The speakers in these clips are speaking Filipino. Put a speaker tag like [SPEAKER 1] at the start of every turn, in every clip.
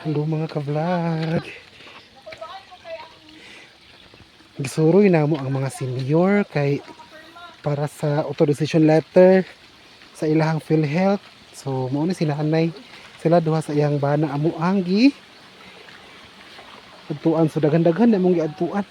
[SPEAKER 1] Hello mga ka-vlog. Gisuroy na mo ang mga senior kay para sa authorization letter sa ilahang PhilHealth. So mao ni sila anay. Sila duha sa iyang bana amo ang gi adtuan, so daghan-daghan na mong giadtuan.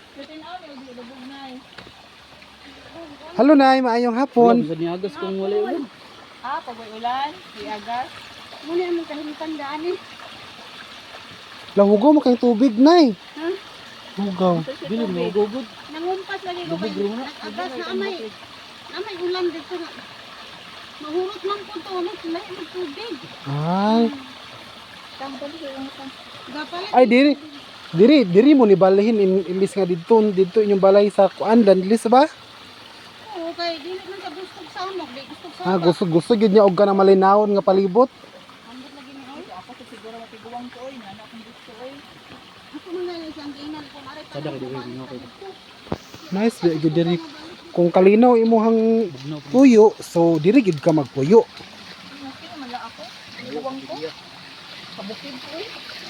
[SPEAKER 1] Hello nay, maayong hapon.
[SPEAKER 2] Bisa niagas kung wala ulan.
[SPEAKER 3] Pag may ulan, iagas. Muna naman kahilitan daan eh.
[SPEAKER 1] Lahugaw mo kayong tubig nay.
[SPEAKER 3] Ha?
[SPEAKER 1] Hugaw.
[SPEAKER 2] Dili mo gugod.
[SPEAKER 3] Nangumpas lagi ko
[SPEAKER 2] Lubog
[SPEAKER 3] kayo.
[SPEAKER 2] rin na.
[SPEAKER 3] Agas na amay ulan dito na. Mahurot lang po ito. Lahi ng tubig.
[SPEAKER 1] Ay.
[SPEAKER 3] Tambal ko yung utang. Gapalit.
[SPEAKER 1] Ay diri mo ni balahin imbis nga dito inyong balay sa kuan landlis ba?
[SPEAKER 3] Oo, kay dili man sa gustong samok. Di gustong samok.
[SPEAKER 1] Gusto gid niya og kana malinawon nga palibot.
[SPEAKER 3] Ambot lagi ni oy. Ako sa siguro matiguwang ko oy. Nana akong gusto oy. Ako man na siyang giinan ko.
[SPEAKER 2] Sada ka diri mo kay.
[SPEAKER 1] Nice gid diri. Kung kalinaw imuhang puyo, so diri gid ka magpuyo.
[SPEAKER 3] Okay naman lang ako. Tiguwang ko. Kabukid ko oy.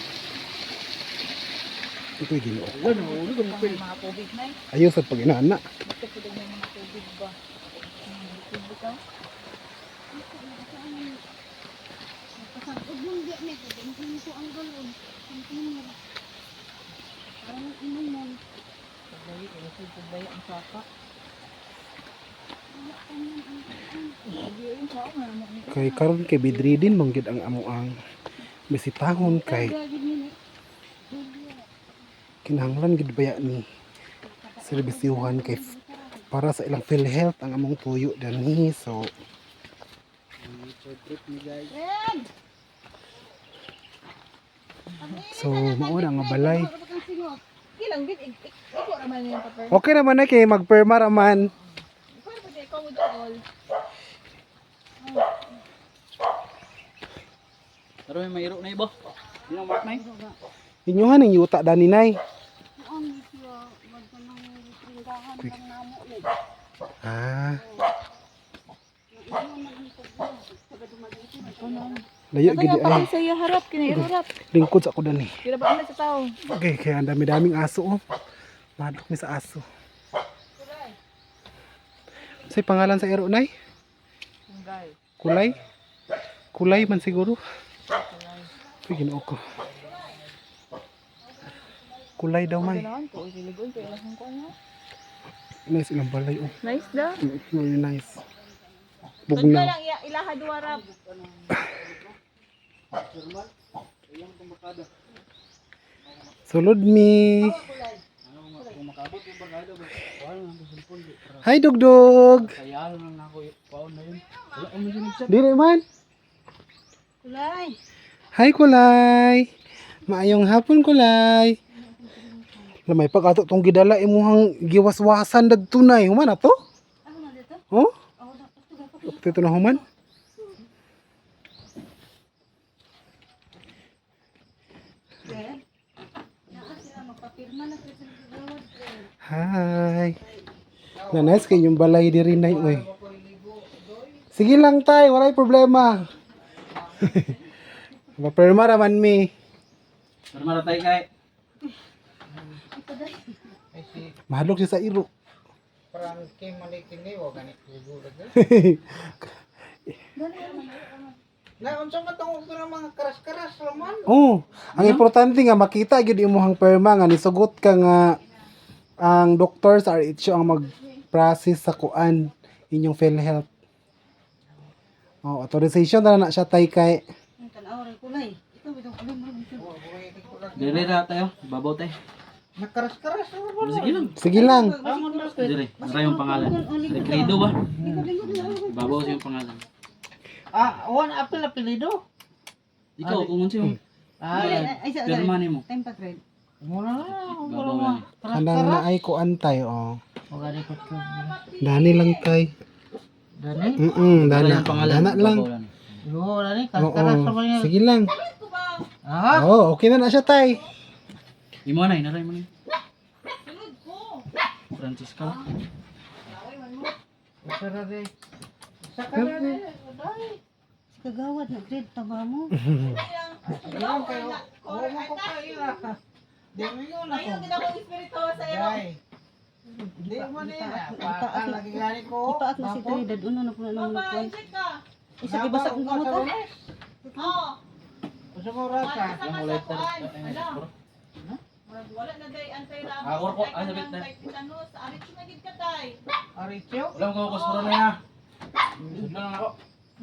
[SPEAKER 1] Ito'y ginoo.
[SPEAKER 2] Wala no, uli kung pil.
[SPEAKER 3] Mga tubig na eh.
[SPEAKER 1] Ayaw sa pag-inana.
[SPEAKER 3] Basta ko din yung mga tubig ba? Tubig ka? Napasagod mong di na ito. Dingin ko ang galon. Container. Parang inom mo. Pagbayi, ilusod pagbayi ang saka.
[SPEAKER 1] Kay karon kay bidridin manggid ang amuang bisitahon kay kinahanglan gid baya ni serbisyuhan kay para sa ilang PhilHealth ang among tuyo dani. So mao na nga balay.
[SPEAKER 3] Ilang bit, ikaw naman yung papel.
[SPEAKER 1] Okay naman na kay magperma raman.
[SPEAKER 3] Paano ba ikaw mo doon?
[SPEAKER 2] Pero may mayro na ibo. Di na mark nay.
[SPEAKER 1] Inyuhan ning yuta dani nay.
[SPEAKER 3] Ano siya? Magka nang tinggahan ng namo ni.
[SPEAKER 1] Layo gid ay.
[SPEAKER 3] Sa iya harap, kinairurap.
[SPEAKER 1] Lingkod sa ako dani.
[SPEAKER 3] Kira ba sa tao?
[SPEAKER 1] Okay, kaya ang dami-daming aso oh. Madok mi sa aso. Say pangalan sa ero nay? Kulay? Kulay man siguro. Ginoo ko. Kulay daw may. Nice ilang balay oh.
[SPEAKER 3] Nice da.
[SPEAKER 1] Very nice.
[SPEAKER 3] Tugna
[SPEAKER 1] Bugnaw.
[SPEAKER 3] lang ilaha duwarap.
[SPEAKER 1] Sulod mi. Hi Dugdug.
[SPEAKER 2] Kaya lang ako paon na yun. Wala ko man siya.
[SPEAKER 1] Dili man.
[SPEAKER 3] Kulay.
[SPEAKER 1] Hi Kulay. Maayong hapon Kulay. Lamay pag ato tong gidala imuhang giwaswasan dagtunay. Human ato?
[SPEAKER 3] Ano na dito?
[SPEAKER 1] Oh?
[SPEAKER 3] Ako na ito dapat.
[SPEAKER 1] Dito na human.
[SPEAKER 3] Dad. Naa sila magpapirma na sa gawad.
[SPEAKER 1] Hi. Na nice kay yung balay diri nay oy. Sige lang tay, walay problema. Maperma raman mi.
[SPEAKER 2] Pero maratay kay.
[SPEAKER 1] Mahadlok siya sa iro.
[SPEAKER 4] Parang king malikin ni wa ganit siguro gud. Na unsa man tong pero mga karas-karas laman.
[SPEAKER 1] Oh, ang importante nga makita gyud imong perma nga nisugot ka nga ang doktor sa RHO ang mag-process sa kuan inyong PhilHealth. Oh, authorization na siya tay kay.
[SPEAKER 3] Ang tanaw ray kulay. Ikaw bitong kulay mo.
[SPEAKER 2] Dili ra tayo, babaw tay.
[SPEAKER 4] Nakaras-karas laman.
[SPEAKER 2] Sige lang.
[SPEAKER 1] Sige lang.
[SPEAKER 2] Dili, nara yung pangalan. Recredo ba? Babaw sa yung pangalan.
[SPEAKER 4] One apel apelido.
[SPEAKER 2] Ikaw kung unsa yung
[SPEAKER 3] Ay sa
[SPEAKER 2] pirma nimo.
[SPEAKER 3] time pa trade.
[SPEAKER 4] Mura na
[SPEAKER 2] Babaw lang.
[SPEAKER 1] Kanang na ay kuan tay oh.
[SPEAKER 4] O gani ko ko.
[SPEAKER 1] Dani lang tay.
[SPEAKER 4] Dani.
[SPEAKER 2] Nara
[SPEAKER 1] Dana.
[SPEAKER 2] yung pangalan.
[SPEAKER 1] Dana lang.
[SPEAKER 2] Babaw lang.
[SPEAKER 4] Yo dani
[SPEAKER 1] Oo.
[SPEAKER 4] karas-karas laman yan.
[SPEAKER 1] Sige lang.
[SPEAKER 4] Ah,
[SPEAKER 1] Oh, okay na siya tay.
[SPEAKER 2] Imo na, naray mo ni. Francisco.
[SPEAKER 4] usara de. Sakara de. Dai.
[SPEAKER 3] Kagawad na grade taba mo.
[SPEAKER 4] Yan kayo. Oo mo ko kayo na. Di mo yun ako.
[SPEAKER 5] Ayun, kita ko espiritu sa iyo.
[SPEAKER 4] Dai. Di mo na yun. Paal lagi gani ko.
[SPEAKER 3] Ipaak na si Trinidad. Una na po na naman
[SPEAKER 5] Papa,
[SPEAKER 3] kuan.
[SPEAKER 5] isip ka.
[SPEAKER 3] Isa gibasa kong kamot ah.
[SPEAKER 5] Oo.
[SPEAKER 4] Gusto mo rasa?
[SPEAKER 5] Wala sa kasakuan. Ala. Wala na day anti-rabies.
[SPEAKER 2] Ah, work ko.
[SPEAKER 5] Ay,
[SPEAKER 2] Ah, sabit
[SPEAKER 5] kanang
[SPEAKER 2] na.
[SPEAKER 5] kay tetanus. Arit siya nagid ka tay.
[SPEAKER 4] Aricho?
[SPEAKER 2] Wala ko kuspuro na ya. Sudlo lang ako.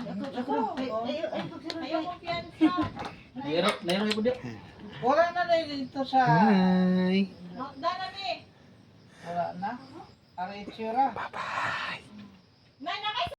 [SPEAKER 5] Ayaw kumpiyansa.
[SPEAKER 2] Nairo ipo dia.
[SPEAKER 4] Wala na na dito sa...
[SPEAKER 1] Hi.
[SPEAKER 5] Knockdown na mi.
[SPEAKER 4] Wala na. Aricho ra.
[SPEAKER 5] Nay, nakay